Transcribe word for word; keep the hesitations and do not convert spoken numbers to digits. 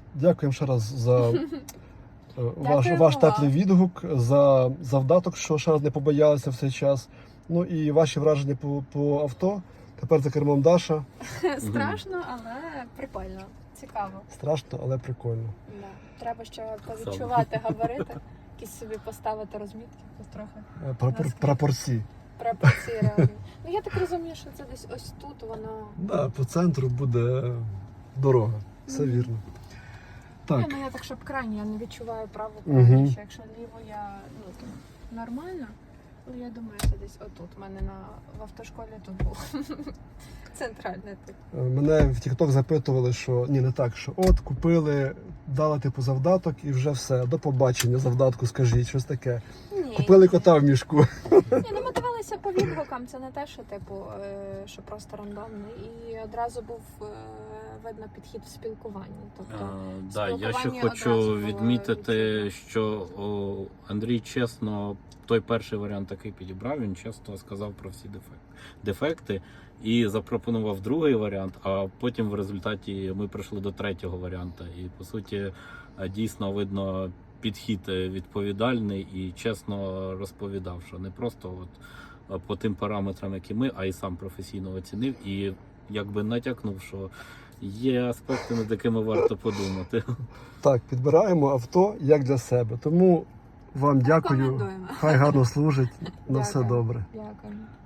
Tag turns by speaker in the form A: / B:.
A: дякуємо ще раз за е, ваш,
B: Дякуємо
A: ваш
B: вам.
A: теплий відгук, за завдаток, що ще раз не побоялися в цей час. Ну і ваші враження по, по авто. Тепер за кермом Даша.
B: Страшно, але прикольно, цікаво.
A: Страшно, але прикольно.
B: Да. Треба ще повідчувати габарити, якісь собі поставити розмітки трохи.
A: Е, Прапор, прапорці.
B: Пропорції реальні. Ну я так розумію, що це десь ось тут воно.
A: Да, по центру буде дорога. Все
B: Мгм.
A: вірно. Так.
B: Ні, ну я так, щоб крайні, я не відчуваю праву
A: Мгм.
B: крайню, що якщо ліво я ну то нормально, але я думаю, це десь отут. У мене на в автошколі тут був центральний тут.
A: Е, Мене в TikTok запитували, що ні, не так, що от купили, дали типу завдаток і вже все. До побачення завдатку, скажіть, щось таке.
B: Ні,
A: Купили
B: ні.
A: кота в мішку.
B: Ні, ну ми дивилися по відгукам, це не те, що типу, е, що просто рандомний. І одразу був е, видно підхід в спілкуванні. Тобто,
C: А, да, я ще
B: спілкування
C: хочу
B: одразу було
C: відмітити,
B: відчутно.
C: що о, Андрій чесно, той перший варіант такий підібрав, він чесно сказав про всі дефекти, дефекти і запропонував другий варіант, а потім в результаті ми прийшли до третього варіанту. І по суті дійсно видно підхід відповідальний і чесно розповідав, що не просто от по тим параметрам, які ми, а й сам професійно оцінив і якби натякнув, що є аспекти, над якими варто подумати.
A: Так, підбираємо авто як для себе. Тому вам дякую.
B: Рекомендуємо.
A: Хай гарно служить. На все
B: Дякую.
A: добре.
B: Дякую.